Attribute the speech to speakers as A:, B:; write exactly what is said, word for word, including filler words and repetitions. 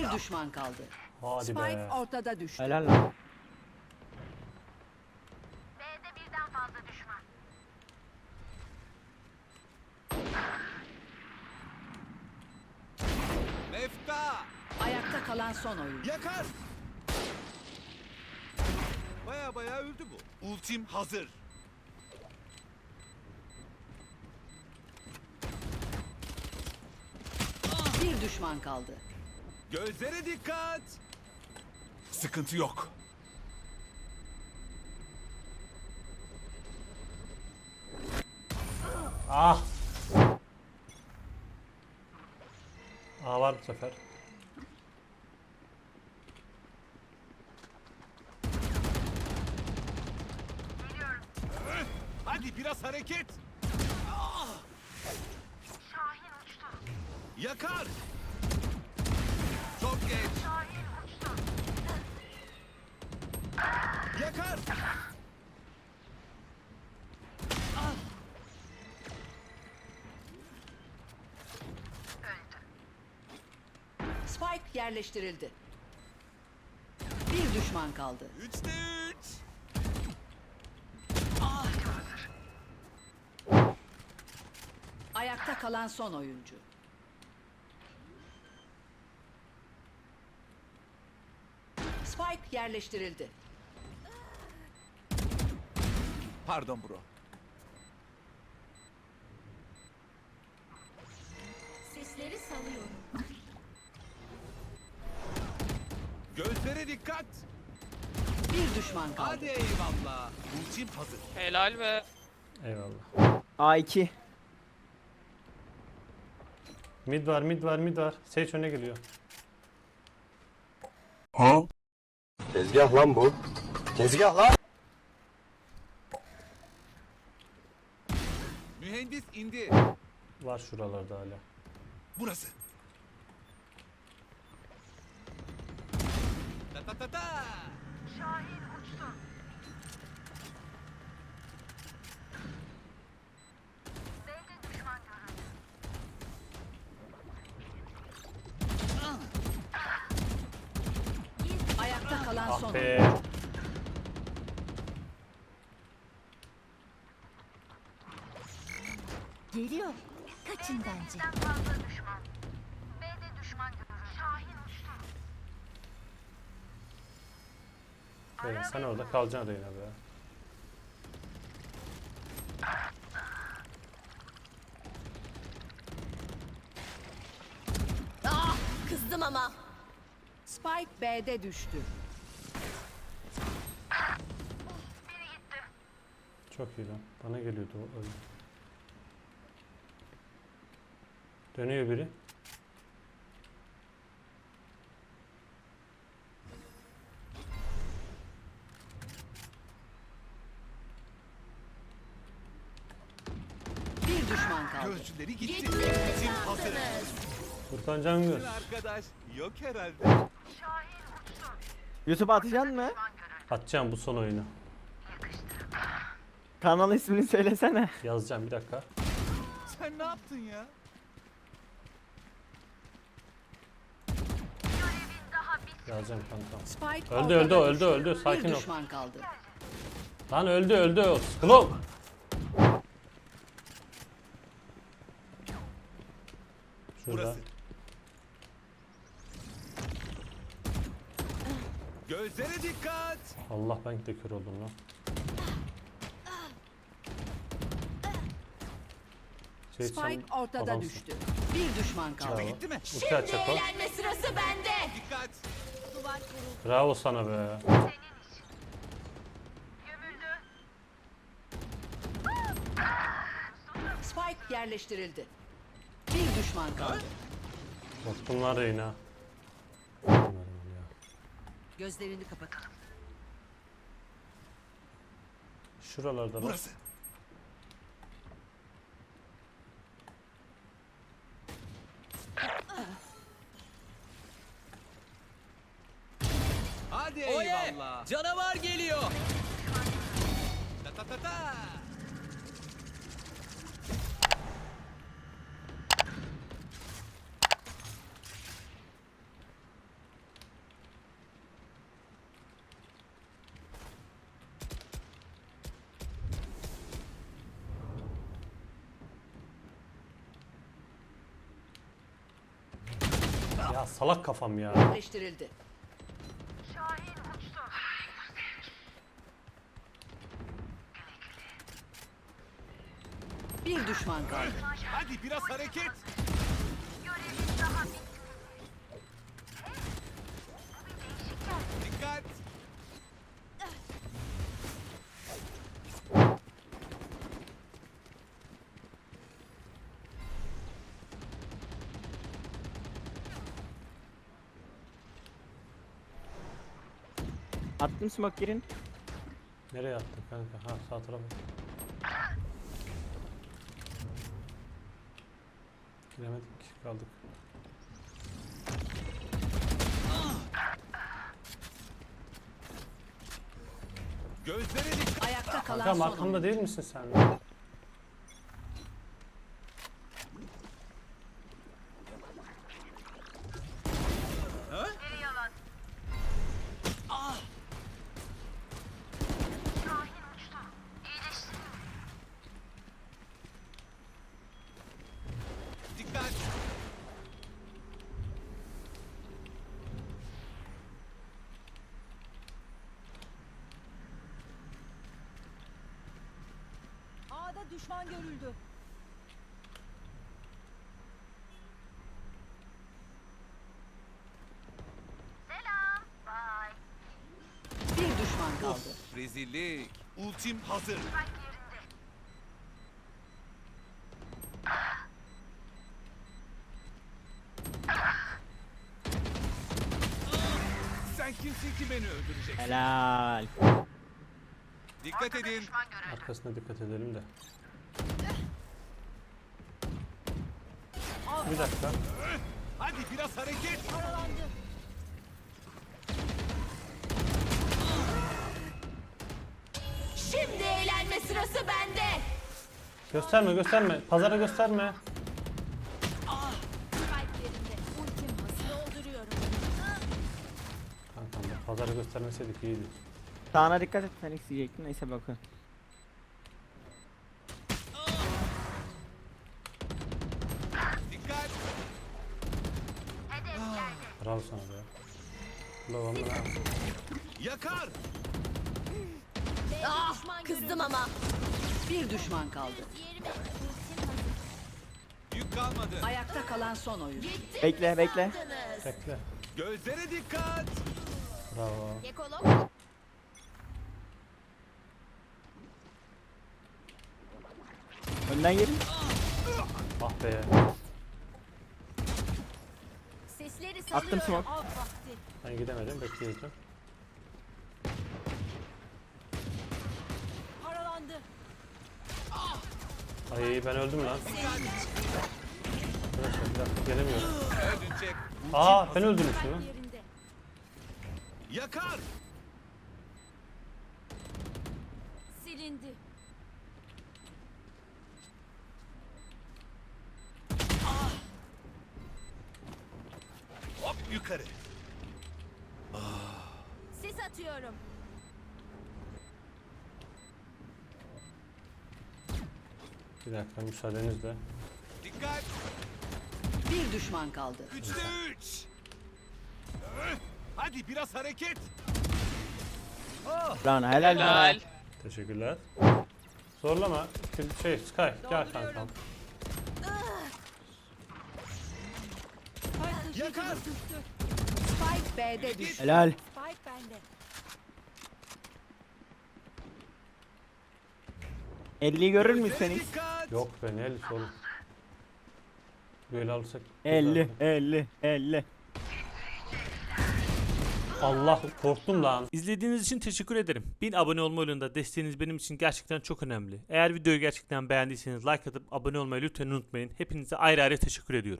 A: Bir düşman kaldı.
B: Hadi
A: Spike
B: be.
A: ortada düştü.
C: Helal lan.
D: B'de birden fazla düşman.
E: Mefta!
A: Ayakta kalan son oyuncu.
E: Yakar! Baya baya öldü bu. Ultim hazır.
A: Bir düşman kaldı.
E: Gözlere dikkat! Sıkıntı yok.
B: Ah. Aa var bu sefer.
E: Hadi biraz hareket.
D: Şahin uçtu.
E: Yakar! Çok geç.
D: Şahin uçtu.
E: Yakar!
A: Spike yerleştirildi. Bir düşman kaldı.
E: Üçte üç.
A: Ayakta kalan son oyuncu. Spike yerleştirildi.
E: Pardon bro.
D: Sesleri salıyorum.
E: Gözlere dikkat.
A: Bir düşman kaldı.
E: Hadi eyvallah. Ultim hazır.
F: Helal be.
B: Eyvallah.
C: A iki.
B: Mid var, mid var, mid var. Sage öne geliyor.
G: Tezgah lan bu. Tezgah lan.
E: Mühendis indi.
B: Var şuralarda hala.
E: Burası. Ta ta ta ta.
D: Şahin uçtu. B'de düşman görüldü.
A: Ayakta kalan son
B: Ah
A: oyuncu.
B: be.
D: Geliyor. Kaçın bence. Birden fazla düşman. B'de düşman görüldü. Şahin uçtu.
B: Böyle sen orada kalacaksın Reyna be.
D: Ah, kızdım ama.
A: Spike B'de düştü.
D: Biri gitti.
B: Çok iyi lan. Bana geliyordu o öyle. Dönüyor biri.
A: Bir düşman kaldı.
E: Gözcüleri gitti. Ultim hazır.
B: Furkan Cangöz.
E: Sizin arkadaş yok herhalde.
D: Şahin uçtu.
C: YouTube'a atacaksın mı?
B: Atacağım bu son oyunu.
C: Kanal ismini söylesene.
B: Yazacağım bir dakika.
E: Sen ne yaptın ya?
D: Görevin daha bitmedi.
B: Yazacağım kankam.
A: Spike
B: Öldü,
A: ortada
B: öldü, öldü,
A: düştü.
B: öldü. Sakin
A: Bir
B: ol.
A: düşman kaldı.
B: Lan öldü öldü. Klop. Şurada.
E: Burası. Gözlere dikkat.
B: Allah ben de kör oldum lan. Şey, sen
A: Spike ortada
B: adamsın.
A: düştü. Bir düşman kaldı.
B: Bravo.
E: Gitti mi?
B: Ulti atacak o.
D: Eğlenme sırası bende.
E: Dikkat.
D: Duvar kuruldu.
B: Bravo sana be.
D: Senin için. Gömüldü.
A: Spike yerleştirildi. Bir düşman kaldı.
B: Korktum lan Reyna.
A: Gözlerini kapatalım.
B: Şuralarda lan.
E: Burası. Hadi eyvallah.
H: Canavar geliyor.
E: Ta ta ta ta.
B: salak kafam ya.
A: Yerleştirildi. Bir düşman kaldı.
E: Hadi biraz hareket. Dikkat.
C: Attım smoke girin.
B: Nereye attın kanka? Ha sağ tarafa. Giremedik, kaldık.
E: Gözlere dikkat.
A: Ayakta kalan
B: Kankam
A: son
B: arkamda
A: oyuncu.
B: değil misin sen?
E: Dikkat.
A: A'da düşman görüldü.
D: Selam. Bye.
A: Bir düşman kaldı.
E: Of, rezillik. Ultim hazır. Sen kimsin ki beni öldüreceksin?
C: Helal.
E: Dikkat edin.
B: Arkasına dikkat edelim de. Bir dakika.
E: Hadi biraz hareket.
D: Şimdi eğlenme sırası bende.
B: Gösterme gösterme. Pazara gösterme.
D: Spike yerinde. Ultim hazır dolduruyorum.
B: Kankam bak pazara göstermeseydik iyiydi.
C: Sağına dikkat et. Sen isteyecektin. Neyse bakın.
E: Dikkat.
B: Bravo sana be. Ulan lan.
E: Yakar.
D: Ah, kızdım ama.
A: Bir düşman kaldı.
D: Yerime. Ultim hazır.
E: Yük kalmadı.
A: Ayakta kalan son oyuncu.
C: Bekle bekle.
D: Sandınız.
B: Bekle.
E: Gözlere dikkat.
B: Bravo.
D: Ekolog.
C: Önden gelin.
B: Ah be.
D: Sesleri salıyorum.
C: Attım smoke.
D: Av vakti.
B: Ben gidemedim bekliyordum.
D: Paralandı.
B: Ay ben öldüm lan. Arkadaşlar bir dakika gelemiyorum.
E: Öldürecek.
B: Aa ben öldüm şunu.
D: Yerinde.
E: Yakar.
D: Silindi.
E: Hop yukarı.
D: Sis atıyorum.
B: Bir dakika müsaadenizle.
E: Dikkat.
A: Bir düşman kaldı.
E: Üçte üç. Hadi biraz hareket.
C: Lan helal helal.
B: Teşekkürler. Zorlama. Şey Sky gel kankam.
E: Yakar.
A: Spike B'de düştü.
C: Helal.
D: Spike bende.
C: elliyi görür
E: Gözlere
C: müsünüz?
E: dikkat.
B: Yok be ne elisi oğlum. Böyle alırsak.
C: elli elli elli.
B: Allah korktum lan.
F: İzlediğiniz için teşekkür ederim. bin abone olma yolunda desteğiniz benim için gerçekten çok önemli. Eğer videoyu gerçekten beğendiyseniz like atıp abone olmayı lütfen unutmayın. Hepinize ayrı ayrı teşekkür ediyorum.